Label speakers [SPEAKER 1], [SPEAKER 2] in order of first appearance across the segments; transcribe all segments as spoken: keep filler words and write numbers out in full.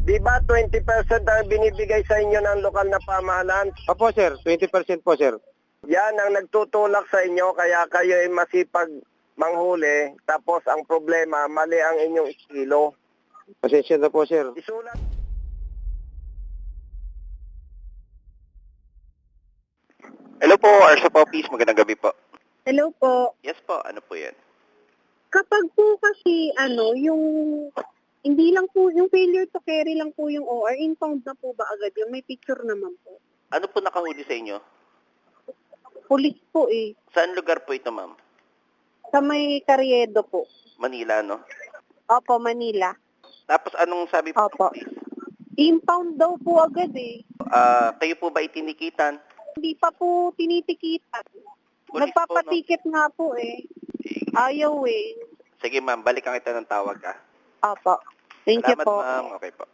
[SPEAKER 1] Di ba twenty percent ang binibigay sa inyo ng lokal na pamahalaan?
[SPEAKER 2] Opo, sir. twenty percent po, sir.
[SPEAKER 1] Yan ang nagtutulak sa inyo kaya kayo ay masipag manghuli tapos ang problema, mali ang inyong estilo.
[SPEAKER 2] Pasensya na po, sir.
[SPEAKER 1] Isulat.
[SPEAKER 3] Hello po, Arsa po, please. Magandang gabi po.
[SPEAKER 4] Hello po.
[SPEAKER 3] Yes po, ano po yan?
[SPEAKER 4] Kapag po kasi ano, yung hindi lang po, yung failure to carry lang po yung O R, impound na po ba agad yun? May picture naman po.
[SPEAKER 3] Ano po nakahuli sa inyo?
[SPEAKER 4] Police po eh.
[SPEAKER 3] Saan lugar po ito, ma'am?
[SPEAKER 4] Sa may Carriedo po.
[SPEAKER 3] Manila, no?
[SPEAKER 4] Opo, Manila.
[SPEAKER 3] Tapos anong sabi po,
[SPEAKER 4] Opo.
[SPEAKER 3] please?
[SPEAKER 4] Impound daw po agad eh.
[SPEAKER 3] Ah, kayo po ba itinikitan?
[SPEAKER 4] Hindi pa po tinitikitan.
[SPEAKER 3] Police
[SPEAKER 4] Nagpapatiket nga po eh.
[SPEAKER 3] Eh,
[SPEAKER 4] Ayaw eh.
[SPEAKER 3] Sige, ma'am, balikan kita ng tawag, ah.
[SPEAKER 4] Opo. Thank you
[SPEAKER 3] Salamat,
[SPEAKER 4] po.
[SPEAKER 3] ma'am. Okay po.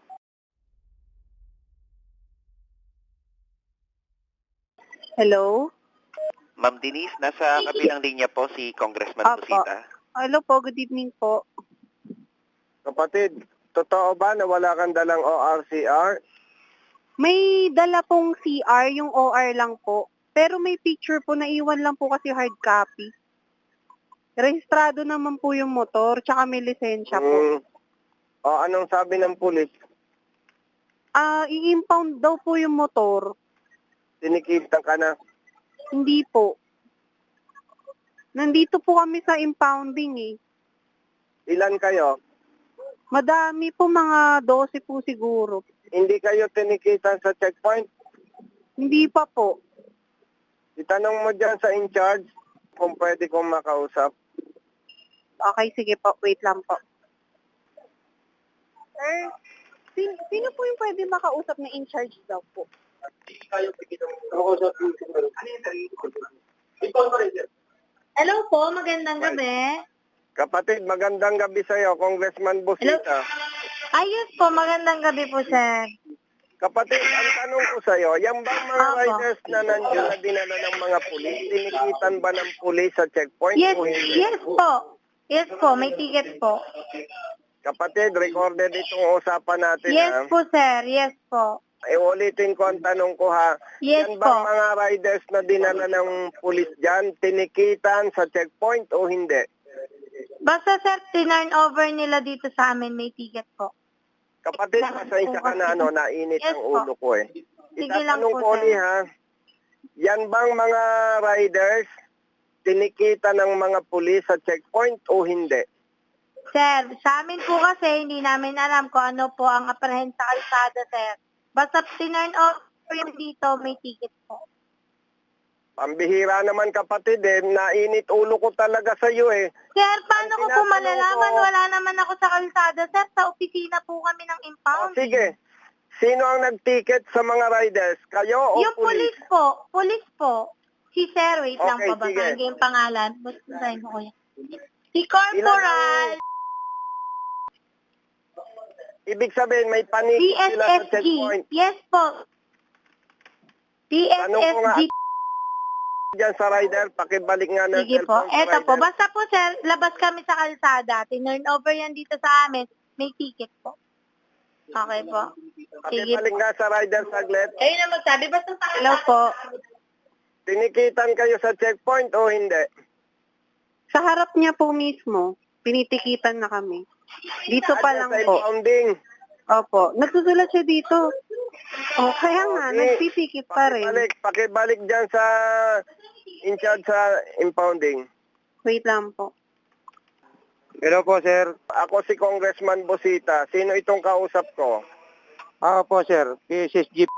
[SPEAKER 4] Hello?
[SPEAKER 3] Ma'am Denise, nasa kabilang linya po si Congressman
[SPEAKER 4] Opo.
[SPEAKER 3] Busita.
[SPEAKER 4] Hello po, good evening po.
[SPEAKER 1] Kapatid, totoo ba na wala kang dalang O R C R?
[SPEAKER 4] May dala pong C R, yung O R lang po. Pero may picture po, naiwan lang po kasi hard copy. Rehistrado naman po yung motor, tsaka may lisensya po.
[SPEAKER 1] Mm. O anong sabi ng pulis?
[SPEAKER 4] Ah, i-impound daw po yung motor.
[SPEAKER 1] Tinikitan ka na.
[SPEAKER 4] Hindi po. Nandito po kami sa impounding eh.
[SPEAKER 1] Ilan kayo?
[SPEAKER 4] Madami po, mga twelve po siguro.
[SPEAKER 1] Hindi kayo tinikitan sa checkpoint?
[SPEAKER 4] Hindi pa po.
[SPEAKER 1] Itanong mo dyan sa in-charge kung pwede kong makausap.
[SPEAKER 4] Okay, sige po. Wait lang po. Sir, sino, sino po yung pwede makausap na in-charge daw po? Hello po, magandang gabi.
[SPEAKER 1] Kapatid, magandang gabi sa'yo, Congressman Busita.
[SPEAKER 4] Ayos po, magandang gabi po, sir.
[SPEAKER 1] Kapatid, ang tanong ko sa'yo, yung bang mga
[SPEAKER 4] Opo.
[SPEAKER 1] riders na nandiyan na dinala ng mga pulis, tinikitan ba ng pulis sa checkpoint
[SPEAKER 4] Yes,
[SPEAKER 1] o hindi?
[SPEAKER 4] yes po. Yes po, may ticket po.
[SPEAKER 1] Kapatid, recorded itong usapan natin
[SPEAKER 4] Yes
[SPEAKER 1] ha.
[SPEAKER 4] po, sir. Yes po.
[SPEAKER 1] Iulitin ko ang tanong ko ha.
[SPEAKER 4] Yes
[SPEAKER 1] Yan
[SPEAKER 4] po.
[SPEAKER 1] bang mga riders na dinala ng pulis dyan, tinikitan sa checkpoint o hindi?
[SPEAKER 4] Basta, sir, tinurn over nila dito sa amin, may ticket po.
[SPEAKER 1] Kapatid, pasensya ka na ano, nainit
[SPEAKER 4] Yes
[SPEAKER 1] ang
[SPEAKER 4] po.
[SPEAKER 1] ulo ko eh.
[SPEAKER 4] Sige lang
[SPEAKER 1] Itatanong
[SPEAKER 4] po,
[SPEAKER 1] ko
[SPEAKER 4] sir.
[SPEAKER 1] ni ha, yan bang mga riders tinikita ng mga pulis sa checkpoint o hindi?
[SPEAKER 4] Sir, sa amin po kasi, hindi namin alam kung ano po ang apprehend sa kalsada, sir. Basta tinurn over yung dito, may ticket po.
[SPEAKER 1] Pambihira naman kapatid eh, nainit ulo ko talaga sa iyo eh.
[SPEAKER 4] Sir, paano
[SPEAKER 1] Ang
[SPEAKER 4] ko po
[SPEAKER 1] tinatanong
[SPEAKER 4] malalaman?
[SPEAKER 1] ko-
[SPEAKER 4] Wala naman ako sa kalsada, sir. Sa opisina po kami ng
[SPEAKER 1] O
[SPEAKER 4] impound.
[SPEAKER 1] sige, sino ang nag-ticket sa mga riders? Kayo o
[SPEAKER 4] Yung police po, police po. Si Sir, wait lang
[SPEAKER 1] Okay,
[SPEAKER 4] po, basahin
[SPEAKER 1] sige.
[SPEAKER 4] ko yung pangalan. Basahin ko kuya. Si Corporal
[SPEAKER 1] Ibig sabihin may panik sila sa
[SPEAKER 4] P S S G.
[SPEAKER 1] checkpoint.
[SPEAKER 4] Yes po.
[SPEAKER 1] Tanong ko nga,
[SPEAKER 4] P S S G.
[SPEAKER 1] Diyan sa rider, pakibalik nga ng
[SPEAKER 4] Sige po.
[SPEAKER 1] cellphone sa
[SPEAKER 4] Eto po.
[SPEAKER 1] rider.
[SPEAKER 4] Basta po, sir, labas kami sa kalsada. Tinurn over yan dito sa amin. May ticket po. Okay po. Sige
[SPEAKER 1] Pakibalik
[SPEAKER 4] po.
[SPEAKER 1] nga sa rider saglit.
[SPEAKER 4] Kayo na magsabi. Basta sa Hello po.
[SPEAKER 1] Tinikitan kayo sa checkpoint o hindi?
[SPEAKER 4] Sa harap niya po mismo, pinitikitan na kami. Dito pa
[SPEAKER 1] Diyan
[SPEAKER 4] lang
[SPEAKER 1] sa
[SPEAKER 4] po.
[SPEAKER 1] impounding.
[SPEAKER 4] Opo. Nagsusulat siya dito. O, kaya nga,
[SPEAKER 1] Okay.
[SPEAKER 4] nagtitikit pa rin.
[SPEAKER 1] Pakibalik, pakibalik dyan sa in charge sa impounding.
[SPEAKER 4] Wait lang po.
[SPEAKER 2] Hello po, sir.
[SPEAKER 1] Ako si Congressman Busita. Sino itong kausap ko?
[SPEAKER 2] Ah, po, sir. P S S G.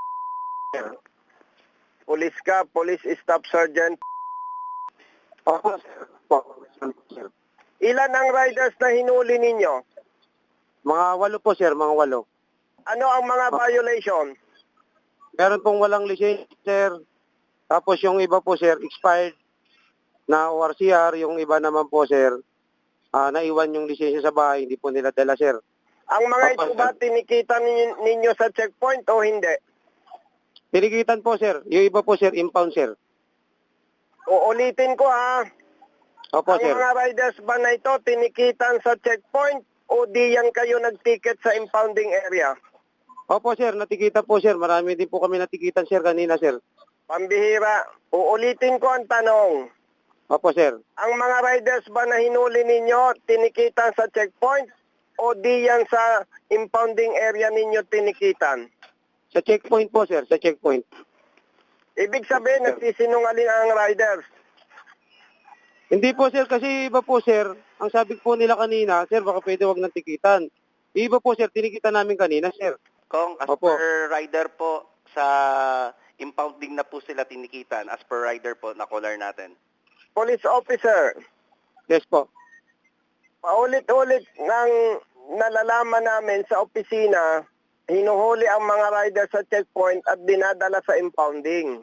[SPEAKER 1] Police ka, Police Staff Sergeant.
[SPEAKER 2] Opo, sir. Po, sir.
[SPEAKER 1] Ilan ang riders na hinuli ninyo?
[SPEAKER 2] Mga walo po, sir. Mga walo.
[SPEAKER 1] Ano ang mga violation?
[SPEAKER 2] Meron pong walang lisensya, sir. Tapos yung iba po, sir, expired na O R C R. Yung iba naman po, sir, ah, naiwan yung lisensya sa bahay. Hindi po nila dala, sir.
[SPEAKER 1] Ang mga
[SPEAKER 2] Opo,
[SPEAKER 1] ito ba
[SPEAKER 2] sir.
[SPEAKER 1] tinikita nin- ninyo sa checkpoint o hindi?
[SPEAKER 2] Pinigitan po, sir. Yung iba po, sir, impound, sir.
[SPEAKER 1] Uulitin ko ha.
[SPEAKER 2] Opo,
[SPEAKER 1] Ang
[SPEAKER 2] sir.
[SPEAKER 1] mga riders ba na ito tinikitan sa checkpoint o di yan kayo nag-ticket sa impounding area?
[SPEAKER 2] Opo, sir. Natikita po, sir. Marami din po kami natikitan, sir, kanina, sir.
[SPEAKER 1] Pambihira. Uulitin ko ang tanong.
[SPEAKER 2] Opo, sir.
[SPEAKER 1] Ang mga riders ba na hinuli ninyo, tinikitan sa checkpoint? O di yan sa impounding area ninyo tinikitan?
[SPEAKER 2] Sa checkpoint po, sir. Sa checkpoint.
[SPEAKER 1] Ibig sabihin, nagsisinungaling ang riders.
[SPEAKER 2] Hindi po, sir. Kasi iba po, sir. Ang sabi po nila kanina, sir, baka pwede wag nang tikitan. Iba po, sir. Tinikitan namin kanina, sir.
[SPEAKER 3] Kung as
[SPEAKER 2] Opo.
[SPEAKER 3] per rider po, sa impounding na po sila tinikitan, as per rider po, na caller natin.
[SPEAKER 1] Police officer,
[SPEAKER 2] Yes po.
[SPEAKER 1] paulit-ulit nang nalalaman namin sa opisina, hinuhuli ang mga rider sa checkpoint at dinadala sa impounding.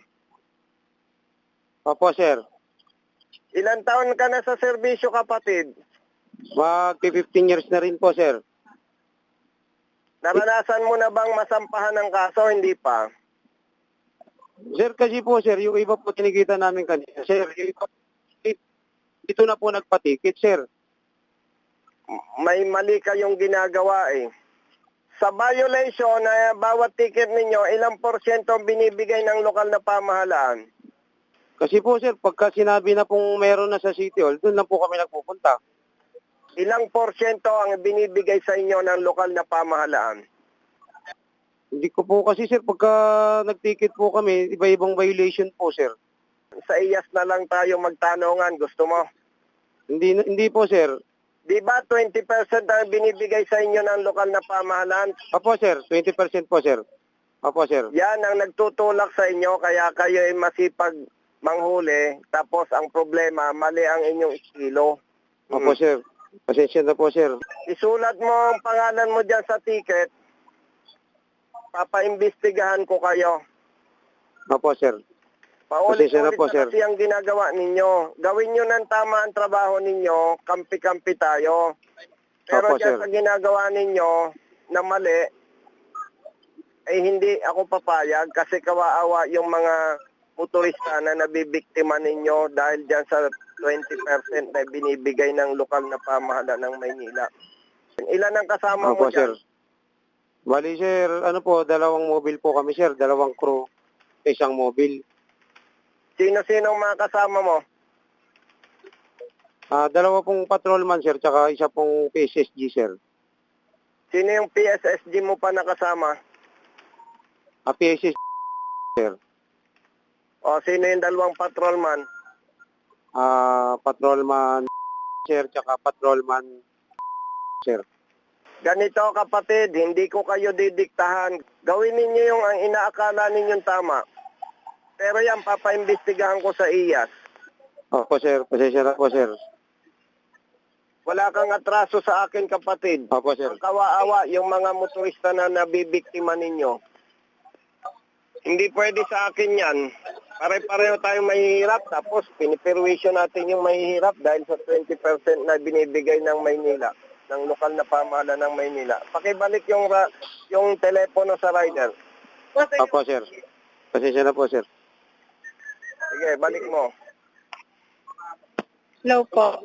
[SPEAKER 2] Opo, sir.
[SPEAKER 1] Ilan taon ka na sa serbisyo, kapatid?
[SPEAKER 2] Mag fifteen years na rin po, sir.
[SPEAKER 1] Naranasan mo na bang masampahan ng kaso? Hindi pa.
[SPEAKER 2] Sir, kasi po, sir, yung iba po tinikita namin kanina. Sir, yung iba, dito na po nagpatikit, sir.
[SPEAKER 1] May mali kayong ginagawa eh. Sa violation na bawat ticket ninyo, ilang porsyento ang binibigay ng lokal na pamahalaan?
[SPEAKER 2] Kasi po, sir, pagka sinabi na pong meron na sa City Hall, doon lang po kami nagpupunta.
[SPEAKER 1] Ilang porsyento ang binibigay sa inyo ng lokal na pamahalaan?
[SPEAKER 2] Hindi ko po kasi, sir, pagka nagticket po kami, iba-ibang violation po, sir.
[SPEAKER 1] Sa I A S na lang tayo magtanungan. Gusto mo?
[SPEAKER 2] Hindi hindi po, sir.
[SPEAKER 1] Di ba twenty percent ang binibigay sa inyo ng lokal na pamahalaan?
[SPEAKER 2] Opo, sir. twenty percent po, sir. Opo, sir.
[SPEAKER 1] Yan ang nagtutulak sa inyo kaya kayo ay masipag manghuli. Tapos ang problema, mali ang inyong estilo.
[SPEAKER 2] Opo, sir. Pasensya na po, sir.
[SPEAKER 1] Isulat mo ang pangalan mo dyan sa ticket. Papaimbestigahan ko kayo.
[SPEAKER 2] Opo, sir.
[SPEAKER 1] Paulit-ulit
[SPEAKER 2] Pasensya na
[SPEAKER 1] na
[SPEAKER 2] po, sir.
[SPEAKER 1] kasi ang ginagawa ninyo. Gawin nyo ng tama ang trabaho ninyo, kampi-kampi tayo. Pero
[SPEAKER 2] Opo,
[SPEAKER 1] dyan
[SPEAKER 2] sir.
[SPEAKER 1] sa ginagawa ninyo na mali, ay hindi ako papayag kasi kawaawa yung mga motorista na nabibiktima ninyo dahil dyan sa twenty percent na binibigay ng lokal na pamahalaan ng Maynila. Ilan ang kasama mo
[SPEAKER 2] Opo,
[SPEAKER 1] dyan?
[SPEAKER 2] sir. Bali, sir, ano po, dalawang mobile po kami, sir. Dalawang crew, isang mobile.
[SPEAKER 1] Sino-sino ang mga kasama mo?
[SPEAKER 2] Ah, dalawa pong patrolman, sir, tsaka isa pong P S S G, sir.
[SPEAKER 1] Sino yung P S S G mo pa nakasama?
[SPEAKER 2] Ah, P S S G, sir.
[SPEAKER 1] O sino yung dalawang patrolman?
[SPEAKER 2] Ah, patrolman, sir, tsaka patrolman, sir.
[SPEAKER 1] Ganito kapatid, hindi ko kayo didiktahan. Gawin ninyo yung ang inaakala ninyong tama. Pero yan, papaimbestigahan ko sa I A S.
[SPEAKER 2] Opo, sir. Pasensya na po, sir.
[SPEAKER 1] Wala kang atraso sa akin kapatid.
[SPEAKER 2] Opo, sir.
[SPEAKER 1] Ang kawaawa yung mga motorista na nabibiktima ninyo. Hindi pwede sa akin yan. Pare-pareho tayong mahihirap tapos piniperwisyon natin yung mahihirap dahil sa twenty percent na binibigay ng Maynila, ng lokal na pamahalaan ng Maynila. Pakibalik yung ra- yung telepono sa rider.
[SPEAKER 2] Opo, sir. Pasensya na po, sir.
[SPEAKER 1] Sige, balik mo.
[SPEAKER 4] Hello po.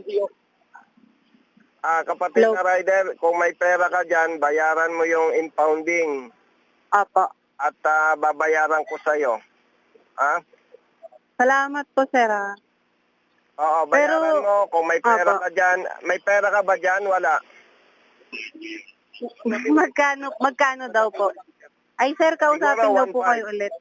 [SPEAKER 1] Ah, kapatid
[SPEAKER 4] Hello.
[SPEAKER 1] na rider, kung may pera ka dyan, bayaran mo yung impounding
[SPEAKER 4] Apo.
[SPEAKER 1] at ah, babayaran ko sa'yo. Ah?
[SPEAKER 4] Salamat po, sir. ah.
[SPEAKER 1] Oo, bayaran
[SPEAKER 4] Pero-
[SPEAKER 1] mo. Kung may pera
[SPEAKER 4] Apo.
[SPEAKER 1] ka dyan, may pera ka ba dyan? Wala.
[SPEAKER 4] Magkano, magkano daw po? Ay, sir, kausapin
[SPEAKER 1] Siguro
[SPEAKER 4] daw
[SPEAKER 1] one
[SPEAKER 4] po
[SPEAKER 1] five.
[SPEAKER 4] kayo ulit.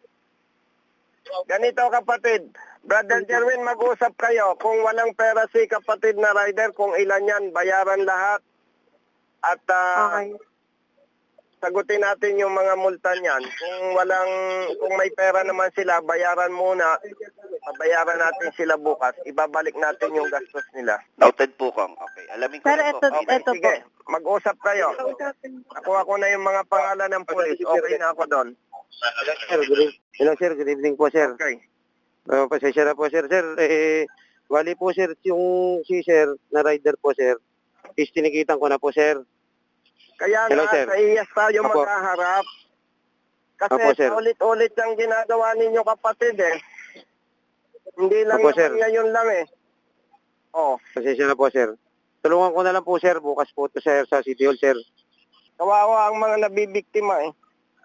[SPEAKER 1] Ganito kapatid, Brother Jerwin, mag-usap kayo. Kung walang pera si kapatid na rider, kung ilan yan, bayaran lahat. At ah,
[SPEAKER 4] Okay.
[SPEAKER 1] sagutin natin yung mga multa niyan. Kung walang, kung may pera naman sila, bayaran muna. Babayaran natin sila bukas. Ibabalik natin yung gastos nila.
[SPEAKER 3] Noted po, Kong. Okay, alamin ko
[SPEAKER 4] Sir,
[SPEAKER 3] na po.
[SPEAKER 4] eto-
[SPEAKER 3] Okay.
[SPEAKER 4] eto-
[SPEAKER 1] Sige, mag-usap kayo. Nakuha ko na yung mga pangalan ng pulis. Okay na ako doon.
[SPEAKER 2] Hello, sir. Good evening. Hello, sir. Good evening po, sir.
[SPEAKER 1] Okay.
[SPEAKER 2] Uh, pasensya na po, sir. Sir, eh, wali po, sir, yung si sir na rider po, sir. Is tinikitan ko na po, sir.
[SPEAKER 1] Kaya
[SPEAKER 2] Hello,
[SPEAKER 1] nga,
[SPEAKER 2] sir.
[SPEAKER 1] sa I A S tayo
[SPEAKER 2] Apo.
[SPEAKER 1] magkaharap. Kasi
[SPEAKER 2] Apo, sir.
[SPEAKER 1] ulit-ulit ang ginagawa ninyo kapatid eh. Hindi lang
[SPEAKER 2] Apo,
[SPEAKER 1] naman
[SPEAKER 2] sir.
[SPEAKER 1] ngayon lang eh. Oh,
[SPEAKER 2] Pasensya na po, sir. Tulungan ko na lang po, sir. Bukas po to, sir, sa City Hall, sir.
[SPEAKER 1] kawawa ang mga nabibiktima eh.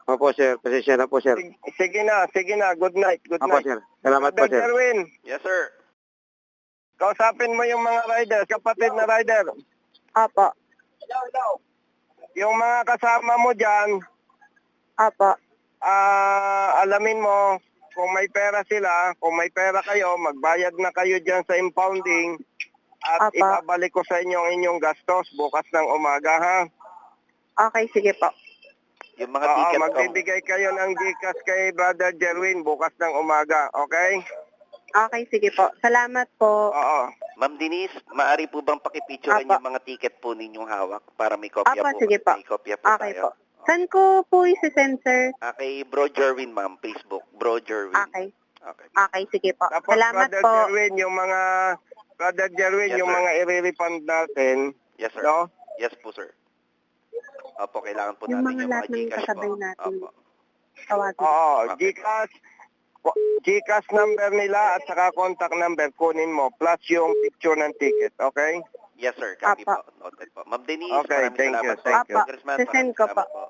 [SPEAKER 2] Opo, sir. Pasensya na po, sir.
[SPEAKER 1] Sige, sige na, sige na. Good night, good
[SPEAKER 2] Opo,
[SPEAKER 1] night.
[SPEAKER 2] sir. Salamat po,
[SPEAKER 1] Brother
[SPEAKER 2] sir.
[SPEAKER 1] Jerwin,
[SPEAKER 3] Yes, sir.
[SPEAKER 1] kausapin mo yung mga rider, kapatid na rider.
[SPEAKER 4] Opo.
[SPEAKER 1] Yung mga kasama mo dyan,
[SPEAKER 4] Opo.
[SPEAKER 1] ah, alamin mo, kung may pera sila, kung may pera kayo, magbayad na kayo dyan sa impounding at
[SPEAKER 4] Apa.
[SPEAKER 1] ibabalik ko sa inyo ang inyong gastos bukas ng umaga, ha?
[SPEAKER 4] Okay, sige po.
[SPEAKER 3] Yung mga
[SPEAKER 1] Oo,
[SPEAKER 3] ticket ko.
[SPEAKER 1] magbibigay kayo ng Gcash kay Brother Jerwin bukas ng umaga, okay?
[SPEAKER 4] Okay, sige po. Salamat po.
[SPEAKER 1] Oo.
[SPEAKER 3] Ma'am Denise, maaari po bang pakipicturean
[SPEAKER 4] Apa.
[SPEAKER 3] yung mga ticket po ninyong hawak para may kopya
[SPEAKER 4] Apa,
[SPEAKER 3] po?
[SPEAKER 4] sige po.
[SPEAKER 3] May kopya po
[SPEAKER 4] Okay
[SPEAKER 3] tayo.
[SPEAKER 4] po. Saan ko po isi-send, sir?
[SPEAKER 3] Ah, kay Bro Jerwin, ma'am, Facebook. Bro Jerwin.
[SPEAKER 4] Okay.
[SPEAKER 3] Okay.
[SPEAKER 4] Okay, sige po.
[SPEAKER 1] Tapos
[SPEAKER 4] Salamat
[SPEAKER 1] Brother
[SPEAKER 4] po.
[SPEAKER 1] Jerwin, yung mga Brother Jerwin,
[SPEAKER 3] Yes,
[SPEAKER 1] yung
[SPEAKER 3] sir.
[SPEAKER 1] mga i-refund natin,
[SPEAKER 3] Yes, sir.
[SPEAKER 1] no?
[SPEAKER 3] Yes po, sir. Opo, kailangan po
[SPEAKER 4] Yung
[SPEAKER 3] natin
[SPEAKER 4] mga
[SPEAKER 3] yung
[SPEAKER 4] lahat
[SPEAKER 3] mga
[SPEAKER 4] ng
[SPEAKER 3] Gcash
[SPEAKER 4] kasabay
[SPEAKER 3] po.
[SPEAKER 4] natin.
[SPEAKER 3] Opo.
[SPEAKER 4] Tawagin.
[SPEAKER 1] Oo,
[SPEAKER 3] Okay.
[SPEAKER 1] Gcash, Gcash number nila at saka contact number kunin mo plus yung picture ng ticket, okay?
[SPEAKER 3] Yes, sir. Copy
[SPEAKER 4] Apa.
[SPEAKER 3] po. Noted po. Ma'am Denise,
[SPEAKER 1] Okay,
[SPEAKER 3] maraming
[SPEAKER 1] thank you,
[SPEAKER 3] salamat po.
[SPEAKER 1] thank
[SPEAKER 4] you.
[SPEAKER 3] Congressman,
[SPEAKER 4] Apa, sisend
[SPEAKER 3] maraming
[SPEAKER 4] ko
[SPEAKER 3] salamat
[SPEAKER 4] po.
[SPEAKER 3] po.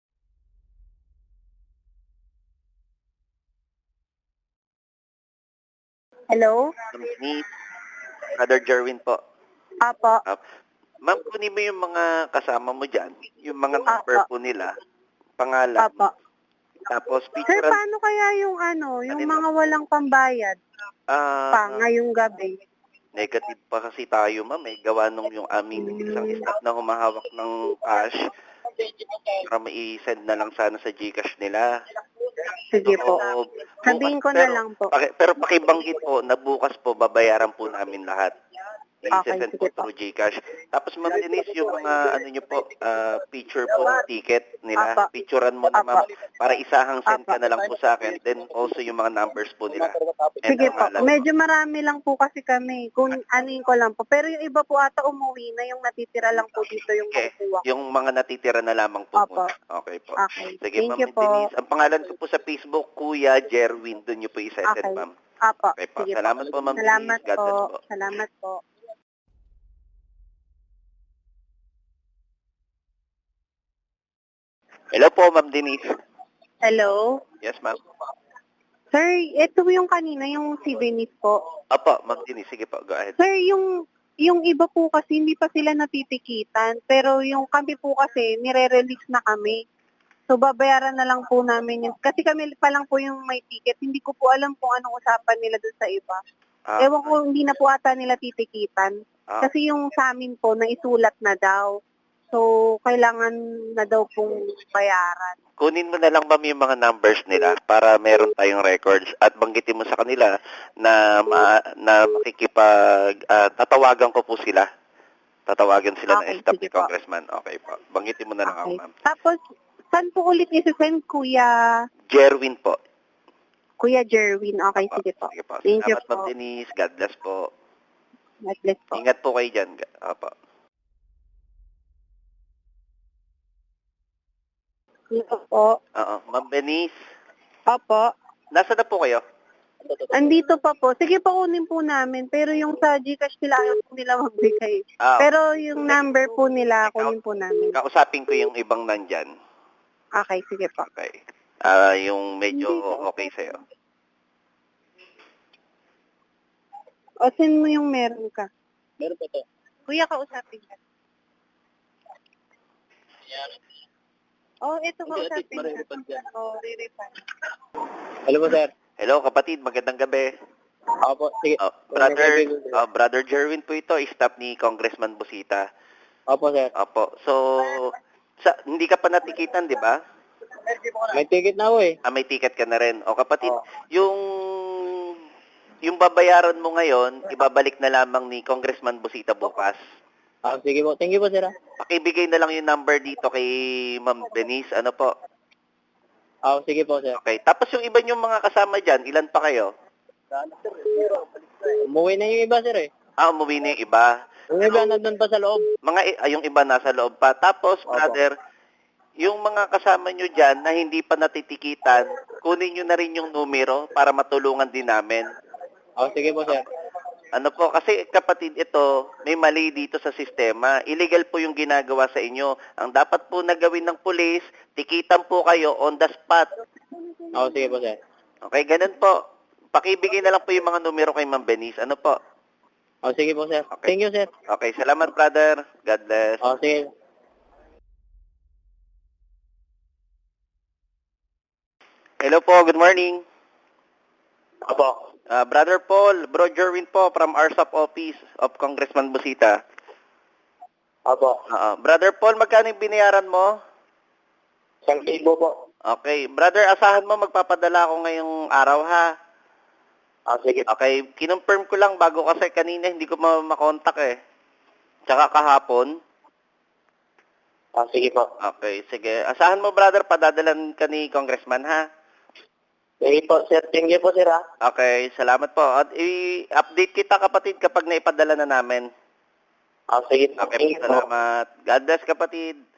[SPEAKER 4] Hello?
[SPEAKER 3] Ma'am Denise, Brother Jerwin po.
[SPEAKER 4] Apo.
[SPEAKER 3] Ah, Ma'am, kunin mo yung mga kasama mo dyan, yung mga number
[SPEAKER 4] Apa.
[SPEAKER 3] po nila, pangalan,
[SPEAKER 4] Apo.
[SPEAKER 3] tapos
[SPEAKER 4] Sir,
[SPEAKER 3] picture.
[SPEAKER 4] paano kaya yung ano, yung
[SPEAKER 3] Alin
[SPEAKER 4] mga walang pambayad
[SPEAKER 3] Ah,
[SPEAKER 4] pa ngayong gabi?
[SPEAKER 3] negative pa kasi tayo, ma'am. May gawa nung yung aming isang staff na humahawak ng cash para mai-send na lang sana sa Gcash nila.
[SPEAKER 4] Sige po.
[SPEAKER 3] So,
[SPEAKER 4] Sabihin ko
[SPEAKER 3] bukas-
[SPEAKER 4] na
[SPEAKER 3] pero-
[SPEAKER 4] lang po.
[SPEAKER 3] paki- pero pakibanggit po na bukas po babayaran po namin lahat.
[SPEAKER 4] Okay,
[SPEAKER 3] I-send
[SPEAKER 4] sige
[SPEAKER 3] po
[SPEAKER 4] po.
[SPEAKER 3] through Gcash. Tapos Ma'am Denise, yung mga ano nyo po, ah, picture po ng ticket nila.
[SPEAKER 4] Apa.
[SPEAKER 3] Picturean mo na
[SPEAKER 4] Apa.
[SPEAKER 3] ma'am para isahang send ka
[SPEAKER 4] Apa.
[SPEAKER 3] na lang po sa akin. Then also yung mga numbers po nila. And
[SPEAKER 4] Sige po.
[SPEAKER 3] pangalan.
[SPEAKER 4] Medyo marami lang po kasi kami. Kung anuin ko lang po. Pero yung iba po ata umuwi na. Yung natitira lang po dito yung
[SPEAKER 3] Okay.
[SPEAKER 4] makukuha ko.
[SPEAKER 3] Yung mga natitira na lamang po
[SPEAKER 4] Apa.
[SPEAKER 3] muna. Okay po.
[SPEAKER 4] Okay.
[SPEAKER 3] Sige,
[SPEAKER 4] Thank
[SPEAKER 3] Ma'am
[SPEAKER 4] you po.
[SPEAKER 3] Denise. Ang pangalan ko po sa Facebook, Kuya Jerwin. Doon nyo po i-send,
[SPEAKER 4] Okay.
[SPEAKER 3] ma'am.
[SPEAKER 4] Apo.
[SPEAKER 3] Okay po.
[SPEAKER 4] Sige
[SPEAKER 3] Salamat po, Ma'am
[SPEAKER 4] Salamat
[SPEAKER 3] Denise. God bless
[SPEAKER 4] po.
[SPEAKER 3] po.
[SPEAKER 4] Salamat po.
[SPEAKER 3] Hello po, Ma'am Denise.
[SPEAKER 4] Hello?
[SPEAKER 3] Yes, ma'am.
[SPEAKER 4] Sir, ito yung kanina, yung si Venice po.
[SPEAKER 3] Opo, Ma'am Denise. Sige po, go ahead.
[SPEAKER 4] Sir, yung yung iba po kasi hindi pa sila natitikitan, pero yung kami po kasi nire-release na kami. So babayaran na lang po namin yun. Kasi kami pa lang po yung may ticket. Hindi ko po alam kung anong usapan nila doon sa iba.
[SPEAKER 3] Ah,
[SPEAKER 4] Ewan ko, hindi na po ata nila titikitan.
[SPEAKER 3] ah,
[SPEAKER 4] Kasi yung sa amin po, naisulat na daw. So, kailangan na daw pong bayaran.
[SPEAKER 3] kunin mo na lang ma'am yung mga numbers nila para meron tayong records at banggitin mo sa kanila na ma, na makikipag ah, tatawagan ko po sila. Tatawagan sila
[SPEAKER 4] Okay,
[SPEAKER 3] ng staff
[SPEAKER 4] sige
[SPEAKER 3] ni
[SPEAKER 4] po.
[SPEAKER 3] Congressman. Okay po. Banggitin mo na lang ako,
[SPEAKER 4] Okay.
[SPEAKER 3] ma'am.
[SPEAKER 4] Tapos, saan po ulit isi-send, Kuya,
[SPEAKER 3] Jerwin po.
[SPEAKER 4] Kuya Jerwin? Okay,
[SPEAKER 3] Opo,
[SPEAKER 4] sige po.
[SPEAKER 3] Sige po.
[SPEAKER 4] Thank you
[SPEAKER 3] Salamat, Ma'am
[SPEAKER 4] po.
[SPEAKER 3] Denise. God bless po.
[SPEAKER 4] God bless po.
[SPEAKER 3] Ingat po kayo dyan. Opo.
[SPEAKER 4] Ito po.
[SPEAKER 3] Oo. Ma'am Denise,
[SPEAKER 4] Opo.
[SPEAKER 3] nasa na po kayo?
[SPEAKER 4] Andito pa po. Sige po, kunin po namin. Pero yung sa Gcash nila, ayaw po nila magbigay.
[SPEAKER 3] Ah,
[SPEAKER 4] Pero yung number po nila, kunin po namin.
[SPEAKER 3] kausapin ko yung ibang nandyan.
[SPEAKER 4] Okay, sige po.
[SPEAKER 3] Okay. Ah, yung medyo okay sa'yo.
[SPEAKER 4] O, send mo yung meron ka.
[SPEAKER 3] Meron pa to.
[SPEAKER 4] Kuya, kausapin ka. Oh, ito kausapin ka. Oh, re-refund.
[SPEAKER 2] Hello po, sir.
[SPEAKER 3] Hello, kapatid. Magandang gabi.
[SPEAKER 2] Opo, sige.
[SPEAKER 3] Oh, brother, oh, brother Jerwin po ito, staff ni Congressman Busita.
[SPEAKER 2] Opo, sir.
[SPEAKER 3] Opo. So, sa, hindi ka pa natikitan, di ba?
[SPEAKER 2] May ticket na ako eh.
[SPEAKER 3] Ah, may ticket ka na rin. O kapatid,
[SPEAKER 2] Oo.
[SPEAKER 3] yung yung babayaran mo ngayon, ibabalik na lamang ni Congressman Busita bukas.
[SPEAKER 2] Ah, sige po. Thank you po, sir.
[SPEAKER 3] Pakibigay na lang yung number dito kay Ma'am Denise. Ano po?
[SPEAKER 2] Ah, sige po, sir.
[SPEAKER 3] Okay. Tapos yung iba yung mga kasama dyan, ilan pa kayo?
[SPEAKER 2] Umuwi na yung iba, sir eh.
[SPEAKER 3] Ah, umuwi na yung iba.
[SPEAKER 2] Yung iba nandun pa sa loob.
[SPEAKER 3] Mga, i- ah, yung iba nasa loob pa. Tapos,
[SPEAKER 2] Opo.
[SPEAKER 3] brother, yung mga kasama nyo dyan na hindi pa natitikitan, kunin nyo na rin yung numero para matulungan din namin.
[SPEAKER 2] Ah, sige po, sir.
[SPEAKER 3] Ano po, kasi kapatid ito, may mali dito sa sistema. Illegal po yung ginagawa sa inyo. Ang dapat po na gawin ng pulis, tikitan po kayo on the spot.
[SPEAKER 5] Oo, sige po, sir.
[SPEAKER 3] Okay, ganun po. Pakibigay na lang po yung mga numero kay Ma'am Benice. Ano po?
[SPEAKER 5] Oo, sige po, sir.
[SPEAKER 3] Okay.
[SPEAKER 5] Thank you, sir.
[SPEAKER 3] Okay, salamat brother. God bless.
[SPEAKER 5] Oo, sige.
[SPEAKER 3] Hello po, good morning.
[SPEAKER 5] Opo.
[SPEAKER 3] Uh, Brother Paul, Bro Jerwin po from R S A P Office of Congressman Busita.
[SPEAKER 5] Opo.
[SPEAKER 3] Uh, Brother Paul, magkano yung binayaran mo?
[SPEAKER 5] Isang libo po.
[SPEAKER 3] Okay, brother, asahan mo magpapadala ako ngayong araw ha.
[SPEAKER 5] Ah, sige.
[SPEAKER 3] Okay, kinonfirm ko lang bago kasi kanina hindi ko ma- makontak eh. Tsaka kahapon.
[SPEAKER 5] Ah, sige po.
[SPEAKER 3] Okay, sige. Asahan mo brother, padadalan ka ni Congressman ha.
[SPEAKER 5] Sige po, sir. Thank you po, sir, ha.
[SPEAKER 3] Okay, salamat po. At i-update kita kapatid kapag naipadala na namin.
[SPEAKER 5] Ah, sige po.
[SPEAKER 3] Okay,
[SPEAKER 5] Thank you po.
[SPEAKER 3] salamat. God bless kapatid.